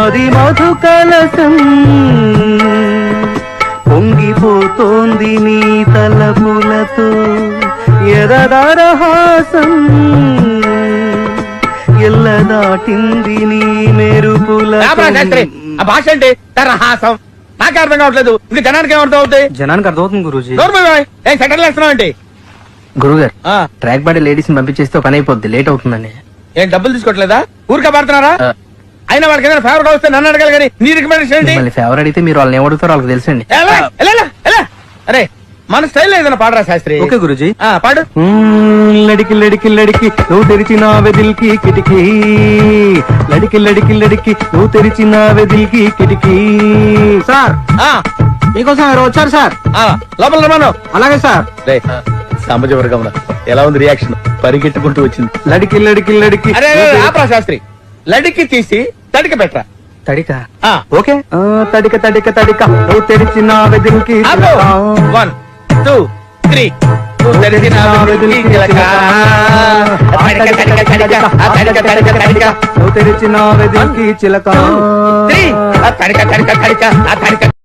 మది మధు కలసం పొంగిపోతోంది నీ తలపులతో ఎదదరహాసం ఎల్ల దాటింది నీ మెరుపుల భాష అంటే తరహాసం నాకే అర్థం కావట్లేదు ఇంకా జనానికి ఏమర్థం అవుతాయి? జనానికి అర్థమవుతుంది గురూజీ. ఏం సెటర్లు వేస్తున్నావు అంటే గురుగారు ట్రాక్ బాడీ లేడీస్ ని పంపించేస్తే పని అయిపోద్ది, లేట్ అవుతుందని. ఏం డబ్బులు తీసుకోవట్లేదా? ఊరికే పడుతున్నారా? అయినా వాళ్ళకి ఏదైనా ఫేవరెట్ వస్తే నన్ను అడగాలి కానీ నీ రికమెండేషన్ ఏంటి? మళ్ళీ ఫేవర్ అడిగితే మీరు వాళ్ళని ఏమడుగుతారో వాళ్ళకి తెలుసండి. అరే మన స్టైల్ ఏదైనా పాడరా శాస్త్రి. ఓకే గురూజీ. పాడు. లడికి లడికి లడికి నువ్వు తెరిచిన వెదిల్కి కిటికీ, లడికి లడికి లడికి నువ్వు తెరిచిన వెదిల్కి కిటికీ. సార్ మీకోసం ఎవరు వచ్చారు సార్? లోపల రమాను. అలాగే సార్. సామాజిక వర్గంలో ఎలా ఉంది రియాక్షన్? పరిగెట్టుకుంటూ వచ్చింది. లడికి లడికి లడికి. అరే ఆపరా శాస్త్రి, లడికి తీసి తడిక పెట్టరా. తడిక ఓకే. తడిక తడిక తడిక నువ్వు తెరిచిన వెదిల్కి 1 2 3 నువ్వు తెరిచిన వెదిల్కి చిలక. నువ్వు తెరిచిన వెదిల్కి చిలక. తడిక తడిక తడిక తడిక